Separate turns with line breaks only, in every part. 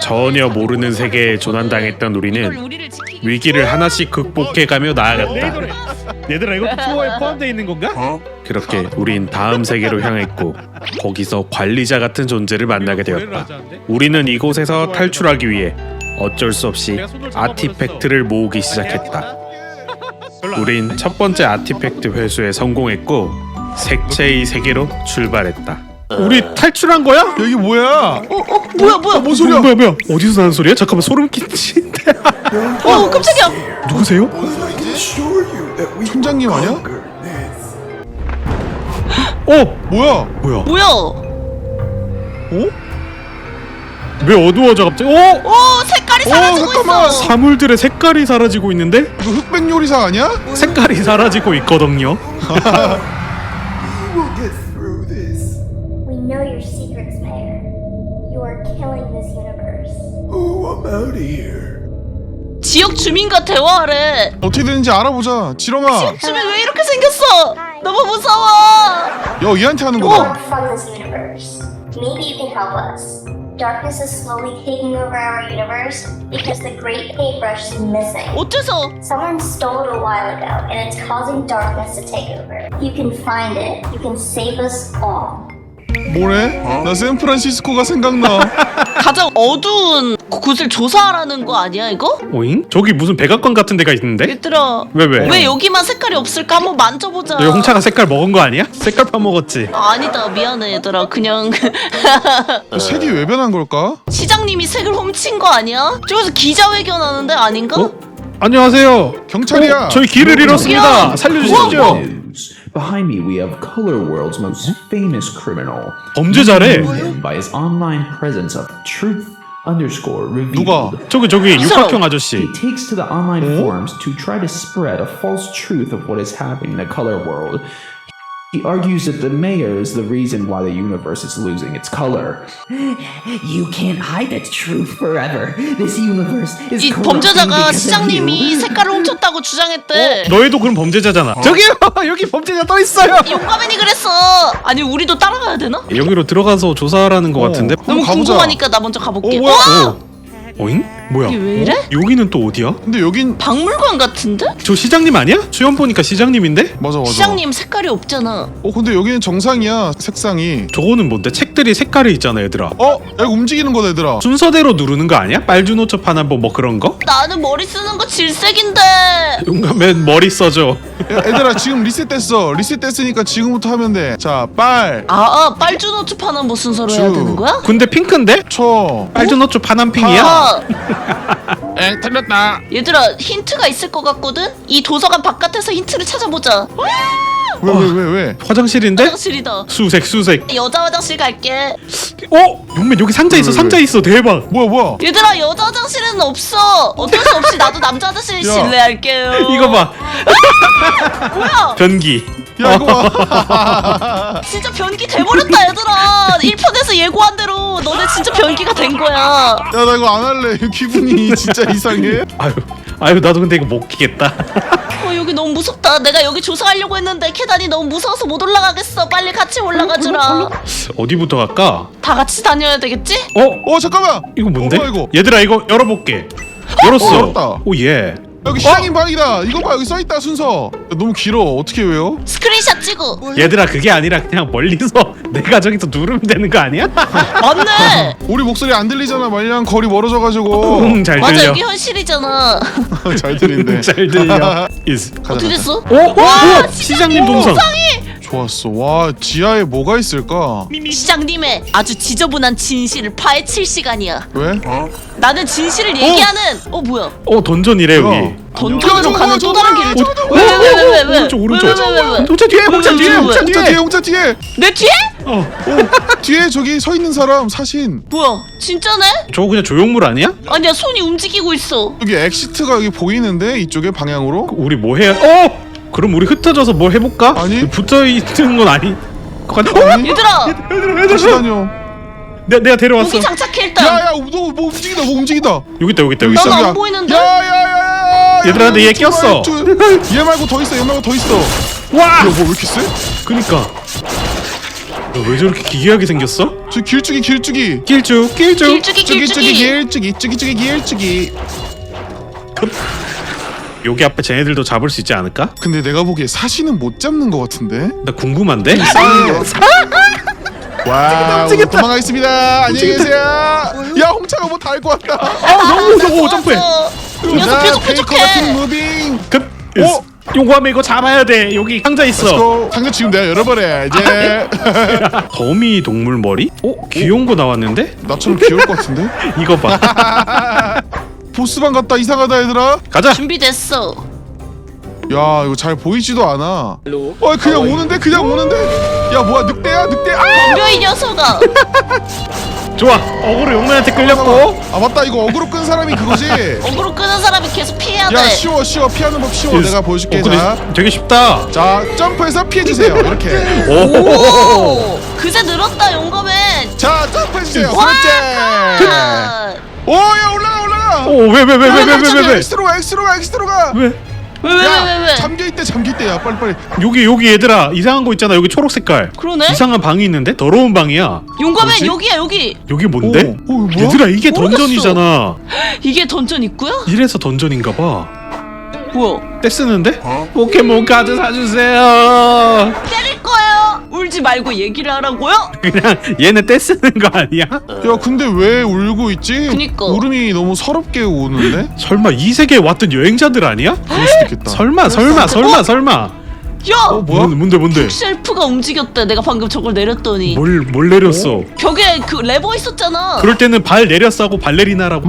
전혀 모르는 세계에 조난당했던 우리는 위기를 하나씩 극복해가며 나아갔다. 얘들아 이것도 투어에 포함되어 있는 건가? 그렇게 우린 다음 세계로 향했고 거기서 관리자 같은 존재를 만나게 되었다. 우리는 이곳에서 탈출하기 위해 어쩔 수 없이 아티팩트를 모으기 시작했다. 우린 첫 번째 아티팩트 회수에 성공했고 색채의 세계로 출발했다. 우리 탈출한 거야?
여기 뭐야?
뭐야?
뭔 소리야?
뭐야? 어디서 나는 소리야? 잠깐만 소름 끼친데.
깜짝이야.
누구세요?
총장님 아니야? 뭐야?
뭐야?
왜 어두워져 갑자기?
색깔이 사라지고
잠깐만.
있어.
사물들의 색깔이 사라지고 있는데?
이거 흑백 요리사 아니야?
색깔이 사라지고 있거든요.
We'll get through this.
We know your secrets, Mayor. You are killing this universe.
Oh, I'm out of here.
지역 주민과 대화하래.
어떻게 되는지 알아보자. 지렁아.
주민 왜 이렇게 생겼어? 너무 무서워.
야, 얘한테 하는
Help
거다.
from this universe. Maybe you can help us. Darkness is slowly taking over our universe because the Great Paintbrush is missing.
어째서?
Someone stole it a while ago, and it's causing darkness to take over. You can find it. You can save us all.
뭐래? 나 샌프란시스코가 생각나.
가장 어두운 곳을 조사하라는 거 아니야 이거?
오잉? 저기 무슨 백악관 같은 데가 있는데?
얘들아
왜?
여기만 색깔이 없을까? 한번 만져보자.
너 홍차가 색깔 먹은 거 아니야? 색깔 파먹었지?
아니다 미안해 얘들아 그냥
색이 왜 변한 걸까?
시장님이 색을 훔친 거 아니야? 저기서 기자회견 하는데 아닌가?
안녕하세요.
경찰이야.
저희 길을 잃었습니다. 살려주십시오.
News. Behind me, we have Color World's most famous criminal.
범죄자래.
Known him by his online presence of truth_revealed.
누가?
저기 육각형 아저씨.
He takes to the online forums to try to spread a false truth of what is happening in the color world. He argues that the mayor is the reason why the universe is losing its color. You can't hide that truth forever. This universe is
이
corrupting
범죄자가
because of
시장님이
you.
색깔을 훔쳤다고 주장했대.
너희도 그럼 범죄자잖아. 저기요 여기 범죄자 떠 있어요.
용감맨이 그랬어. 아니 우리도 따라가야 되나?
여기로 들어가서 조사하라는 것 같은데.
너무
가보자.
궁금하니까 나 먼저 가볼게.
뭐야?
오잉? 뭐야?
이게 왜 이래?
여기는 또 어디야?
근데 여긴
박물관 같은데?
저 시장님 아니야? 주연 보니까 시장님인데?
맞아.
시장님 색깔이 없잖아.
근데 여기는 정상이야. 색상이.
저거는 뭔데? 책들이 색깔이 있잖아 얘들아.
야, 이거 움직이는 거다 얘들아.
순서대로 누르는 거 아니야? 빨주노초 파남보 뭐 그런 거?
나는 머리 쓰는 거 질색인데.
용감맨 머리 써줘.
야, 얘들아 지금 리셋됐어. 리셋됐으니까 지금부터 하면 돼. 자,
빨주노초 파는 뭐 순서로 해야
주.
되는 거야?
근데 핑크인데?
초.
빨주노초 파남핑이야?
엥, 틀렸다.
얘들아 힌트가 있을 것 같거든? 이 도서관 바깥에서 힌트를 찾아보자.
왜?
화장실인데?
화장실이다.
수색.
여자 화장실 갈게.
용맨 여기 상자 있어. 상자 있어. 대박.
뭐야?
얘들아 여자 화장실은 없어. 어쩔 수 없이 나도 남자 화장실
야.
실례할게요.
이거 봐.
뭐야?
변기.
야, 이거 봐.
진짜 변기 돼버렸다 얘들아. 1편에서 예고한 대로 너네 진짜 변기가 된 거야.
야, 나 이거 안 할래. 기분이 진짜 이상해.
아유 나도 근데 이거 못 끼겠다.
여기 너무 무섭다. 내가 여기 조사하려고 했는데 계단이 너무 무서워서 못 올라가겠어. 빨리 같이 올라가주라.
어디부터 갈까?
다 같이 다녀야 되겠지?
잠깐만.
이거 뭔데?
뭐야, 이거?
얘들아 이거 열어볼게. 열었어.
열었다.
오 예.
여기 시장님 방이다. 이거 봐, 여기 써있다 순서. 야, 너무 길어. 어떻게 외워?
스크린샷 찍어.
얘들아 그게 아니라 그냥 멀리서 내가 저기서 누르면 되는 거 아니야?
맞네.
우리 목소리 안 들리잖아. 말량 거리 멀어져가지고.
잘
맞아
들려.
여기 현실이잖아.
잘 들린대.
잘 들려. is.
어떻게 됐어?
오 시장님 동상.
좋았어. 와, 지하에 뭐가 있을까?
시장님의 아주 지저분한 진실을 파헤칠 시간이야.
왜?
나는 진실을 얘기하는. 뭐야?
던전이래 여기.
던전으로
야,
가는
저거,
또 다른
저거,
길을.
저거,
왜?
오른쪽.
왜?
홍차 뒤에 홍차 뒤에 홍차 뒤에.
홍차 뒤에.
내 뒤에?
뒤에 저기 서 있는 사람 사신.
뭐야? 진짜네?
저거 그냥 조형물 아니야?
아니야 손이 움직이고 있어.
여기 엑시트가 여기 보이는데 이쪽에 방향으로.
우리 뭐 해야? 그럼 우리 흩어져서 뭘 해볼까?
아니.
붙어 있는 건 아니.
아니?
얘들아
다시 다녀.
내가 데려왔어.
무기 장착해 일단.
야야, 너 뭐 움직인다. 뭐 움직인다.
여기 있다.
난
저기야.
안 보이는데?
야야야야.
얘들아, 근데 얘 꼈어.
얘 말고 더 있어. 얘 말고 더 있어.
와!
야, 뭐 왜 이렇게 세?
그니까. 너 왜 저렇게 기괴하게 생겼어?
저 길쭉이 길쭉이
길쭉 길쭉.
길쭉이.
여기 앞에 쟤네들도 잡을 수 있지 않을까?
근데 내가 보기에 사시는 못 잡는 것 같은데.
나 궁금한데?
와, 오늘 도망가겠습니다. 안녕히 계세요. 야, 홍차가 뭐 다 할 것 같다.
너무 무서워. 점프해.
이 녀석 계속
페이커 같은
부족해.
무빙.
급.
오!
용감해 이거 잡아야 돼. 여기 상자 있어.
렛츠고. 상자 지금 내가 열어버려 이제.
거미 동물 머리? 귀여운 거 나왔는데?
나처럼 귀여울 것 같은데.
이거 봐.
보스방 갔다 이상하다 얘들아.
가자.
준비됐어.
야, 이거 잘 보이지도 않아. 그냥 오는데 그냥 오는데. 야, 뭐야 늑대야 늑대.
덤벼 이 녀석아.
좋아. 어그로 용맨한테 끌렸고.
아 맞다, 이거 어그로 끈 사람이 그거지.
어그로 끄는 사람이 계속 피해야 돼.
야, 쉬워 피하는 법 쉬워. 내가 보여줄게.
근데
자,
되게 쉽다.
자 점프해서 피해주세요. 이렇게.
오, 그새 늘었다 용검엔.
자, 점프해주세요.
와,
그렇지.
아,
오야 올라가.
왜?
엑스트로 가.
왜?
왜?
잠겨 있대. 야, 빨리.
여기 얘들아 이상한 거 있잖아. 여기 초록 색깔.
그러네.
이상한 방이 있는데 더러운 방이야.
용검엔 여기야 여기.
여기 뭔데?
오, 뭐야?
얘들아 이게
모르겠어.
던전이잖아.
이게 던전 입구야?
이래서 던전인가 봐.
뭐야?
떼쓰는데? 포켓몬 카드 사주세요.
때릴 거예요. 울지 말고 얘기를 하라고요?
그냥 얘네 떼쓰는 거 아니야?
야, 근데 왜 울고 있지?
그니까.
울음이 너무 서럽게 우는데?
설마 이 세계에 왔던 여행자들 아니야?
그럴 수도 있겠다.
설마.
야,
뭐야?
뭔데?
셀프가 움직였대. 내가 방금 저걸 내렸더니
뭘 내렸어?
벽에 그 레버 있었잖아.
그럴 때는 발 내렸어 하고 발레리나라고.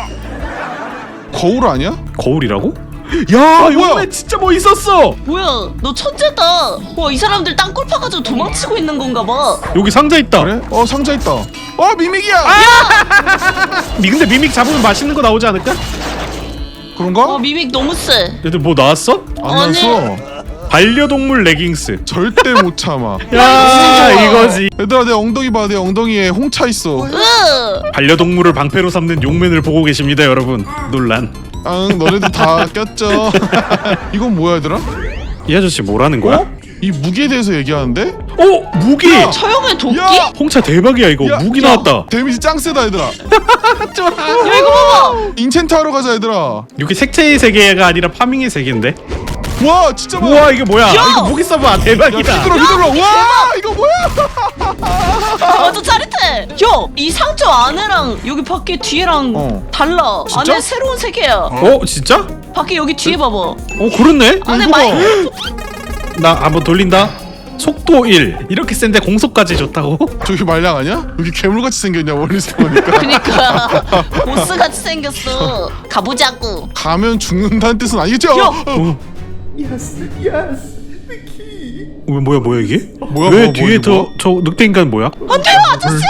거울 아니야?
거울이라고? 야,
뭐야?
여기 진짜 뭐 있었어.
뭐야? 너 천재다. 와, 이 사람들 땅굴 파가지고 도망치고 있는 건가 봐.
여기 상자 있다.
그래? 상자 있다. 미믹이야.
근데 미믹 잡으면 맛있는 거 나오지 않을까?
그런가?
미믹 너무 세.
얘들 뭐 나왔어?
안
아니.
나왔어.
반려동물 레깅스.
절대 못 참아.
야, 이거지.
얘들아, 내 엉덩이 봐. 내 엉덩이에 홍차 있어.
반려동물을 방패로 삼는 용맨을 보고 계십니다, 여러분. 논란.
너네들 다 꼈죠. 이건 뭐야, 얘들아?
이 아저씨 뭐라는 거야?
이 무기에 대해서 얘기하는데?
무기.
처형의 도끼?
야!
야,
홍차 대박이야 이거.
야,
무기
야.
나왔다.
데미지 짱 세다, 얘들아.
이거 봐봐.
인챈트 하러 가자, 얘들아.
여기 색채의 세계가 아니라 파밍의 세계인데.
와, 진짜 많아.
우와, 이게 뭐야?
야!
이거 무기 써봐.
야,
대박이다.
휘둘러. 와, 이거 뭐야?
완전 짜릿해. 야, 이 상점 안에랑 여기 밖에 뒤에랑 달라.
진짜?
안에 새로운 세계야.
진짜?
밖에 여기 뒤에 봐봐.
그렇네.
안에
이거 봐.
마이크.
나 한번 돌린다. 속도 1. 이렇게 센데 공속까지 좋다고?
저기 말량 아니야? 여기 괴물같이 생겼냐, 멀리서 보니까.
그니까 보스 같이 생겼어. 가보자고.
가면 죽는다는 뜻은 아니겠죠?
야!
Yes, the key.
뭐야 이게?
뭐야,
왜
뭐야,
뒤에
뭐야?
저 늑대 인간 뭐야?
안돼요 아저씨.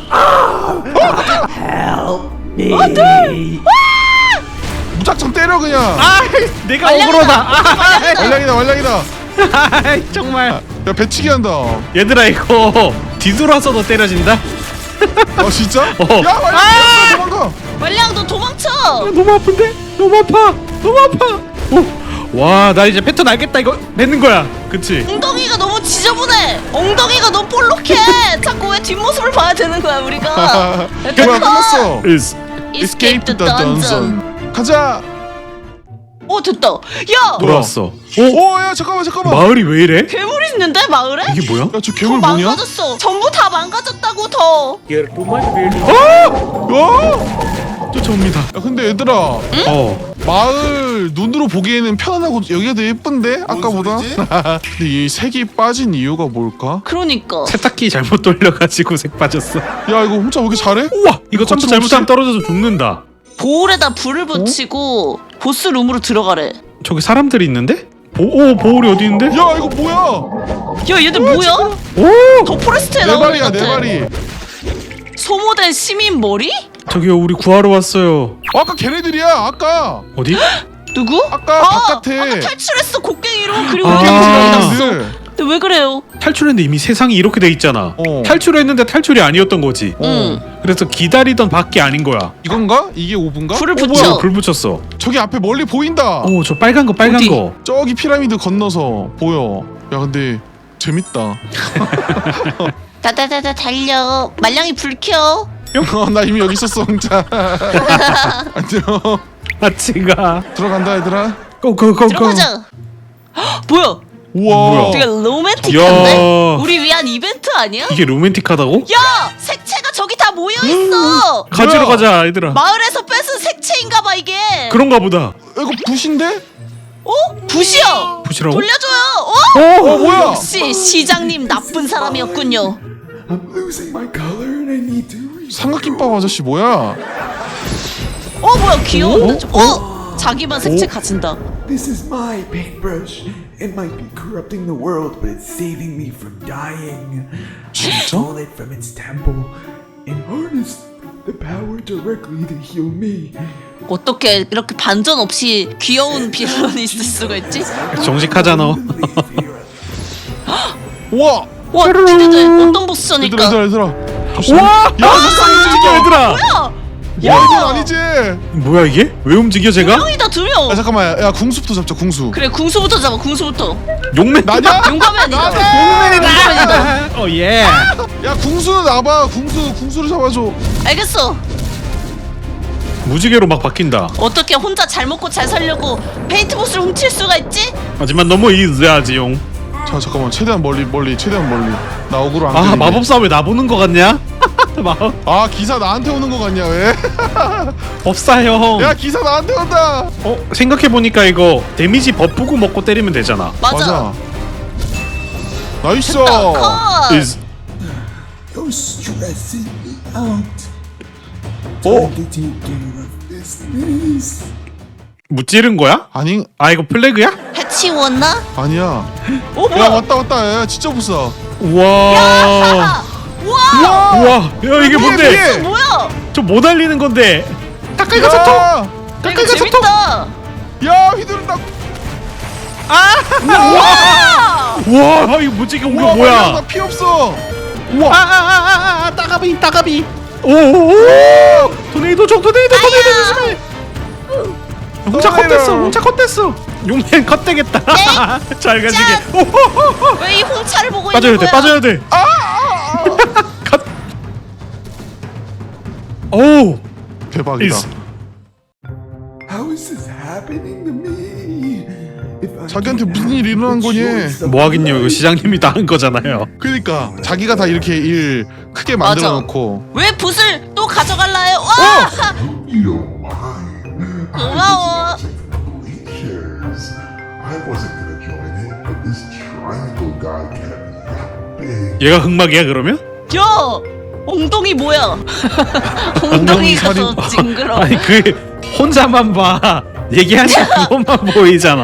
무작정 때려, 그냥.
내가
말량이다.
억울하다.
말량이다.
정말.
야, 배치기 한다.
얘들아 이거 뒤돌아서도 때려진다?
진짜?
어.
야, 말량 도망가.
말량 너 도망쳐.
너무 아픈데? 너무 아파. 와, 나 이제 패턴 알겠다. 이거 뱉는 거야. 그치?
엉덩이가 너무 지저분해. 엉덩이가 너무 볼록해. 자꾸 왜 뒷모습을 봐야 되는 거야 우리가.
뭐야, 끝났어.
is
Escape the dungeon.
가자.
됐다. 야,
돌아왔어.
야, 잠깐만.
마을이 왜 이래?
괴물 있는데 마을에?
이게 뭐야?
야, 저
더
괴물 뭐냐?
망가졌어. 전부 다 망가졌다고 더.
쫓아옵니다.
야, 근데 얘들아, 마을 눈으로 보기에는 편안하고 여기가 더 예쁜데? 아까보다? 근데 이 색이 빠진 이유가 뭘까?
그러니까.
세탁기 잘못 돌려가지고 색 빠졌어.
야, 이거 혼자 왜 이렇게 잘해?
우와, 이거 점프
거침없이?
잘못하면 떨어져서 죽는다.
보울에다 불을 붙이고 보스 룸으로 들어가래.
저기 사람들이 있는데? 보울이 어디 있는데?
야, 이거 뭐야?
야, 얘들 뭐야?
오!
더 포레스트에
네
나오는
발이야,
것
네
같아.
발이.
소모된 시민 머리?
저기요, 우리 구하러 왔어요.
아까 걔네들이야, 아까.
어디?
누구?
아까 바깥에.
아까 탈출했어 곡괭이로. 그리고
아.
여기 들어갔어.
걔네들.
근데 왜 그래요?
탈출했는데 이미 세상이 이렇게 돼 있잖아. 탈출했는데 탈출이 아니었던 거지.
응.
그래서 기다리던 밖이 아닌 거야.
이건가? 이게 5분가?
불을
뭐야,
붙여.
불 붙였어.
저기 앞에 멀리 보인다.
저 빨간 거.
어디?
저기 피라미드 건너서 보여. 야, 근데 재밌다.
다다다다 달려. 말량이 불 켜.
나 이미 여기 있었어 혼자. 안녕.
같이 가.
들어간다 얘들아.
고고고고.
들어가자. 헉, 뭐야?
우와.
되게 로맨틱한데?
야.
우리 위한 이벤트 아니야?
이게 로맨틱하다고?
야! 색채가 저기 다 모여있어!
가지러 가자 얘들아.
마을에서 뺏은 색채인가봐 이게!
그런가 보다.
이거 붓인데?
어? 붓이야!
부시라고?
돌려줘요! 어?
어 뭐야?
역시 시장님 나쁜 사람이었군요.
I'm losing my color and I need to reach.
삼각김밥 아저씨 뭐야?
어 뭐야 귀여운데 좀. 자기만 색채 가진다.
This is my paintbrush. It might be corrupting the world, but it's saving me from dying. I stole it from its temple and harnessed the power directly to heal me.
어떻게 이렇게 반전 없이 귀여운 빌런이 있을 수가 있지?
정직하잖아.
Live here.
우와.
와 기대돼. 어떤
얘들아
보스전일까?
얘들아.
와!
야,
움직여 얘들아.
야 이건 아니지.
뭐야 이게? 왜 움직여 제가?
형이다 두 명.
야 잠깐만. 야 궁수부터 잡자 궁수.
그래 궁수부터 잡아 궁수부터.
용맨.
나냐?
용감해니다. 용감해니다.
어 예.
야 궁수는 나봐. 궁수를 잡아줘.
알겠어.
무지개로 막 바뀐다.
어떻게 혼자 잘 먹고 잘 살려고 페인트 보스를 훔칠 수가 있지?
하지만 너무 이즈하지용.
자 잠깐만 최대한 멀리 최대한 멀리. 나 억울로 안
아
걸리게.
마법사 왜 나보는 거 같냐? 마법
아 기사 나한테 오는 거 같냐 왜?
법사 형.
야 기사 나한테 온다.
생각해 보니까 이거 데미지 버프고 먹고 때리면 되잖아.
맞아.
나이스.
컷.
is
You're stressing me out.
어?
Time to take care of business.
무찌른 거야?
아니
아 이거 플래그야?
해치웠나?
아니야.
어
야
뭐야?
왔다. 야 진짜 부싸.
우와.
와!
우와. 야 이게 뭔데?
위에.
뭐야?
저 못 알리는 건데. 가까이
야,
가서 통.
이거
가까이 가서 통.
재밌다.
야 휘두른다.
와!
우와 이거 무지개 온 거
우와
뭐야?
나피 없어.
따가비. 오. 토네이도 토네이도 조심해. 홍차 컷됐어. 용맨 컷되겠다. 잘 가지게.
왜 이 홍차를 보고
빠져야
있는
돼.
거야?
빠져야 돼. 컷. 오.
대박이다.
is
How is this happening to me? If I
자기한테
don't
무슨
have
일이 일어난
the
거니?
choice of
뭐 하긴요. 이거
life,
시장님이 다 한 거잖아요.
그러니까 자기가 다 이렇게 일 크게
맞아.
만들어 놓고.
왜 붓을 또 가져갈라 해요? 와! 고마워.
Chairs. I wasn't gonna join it, but this triangle guy kept yapping.
얘가 흑막이야 그러면?
야! 엉덩이 뭐야? 엉덩이 가서 징그러.
아니 그 혼자만 봐. 얘기하는 그것만 보이잖아.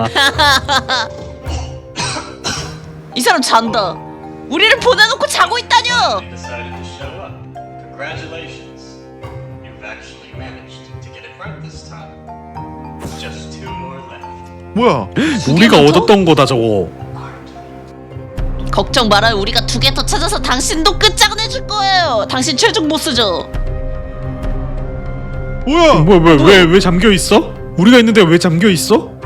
이 사람 잔다. 우리를 보내놓고 자고 있다뇨.
decided to show up. Congratulations. You've actually managed to get it right this time. Just 2 more left.
뭐야?
우리가
더?
얻었던 거다 저거.
걱정 말아요. 우리가 2개 더 찾아서 당신도 끝장내줄 거예요. 당신 최종 보스죠.
뭐야?
왜 잠겨 있어? 우리가 있는데 왜 잠겨 있어?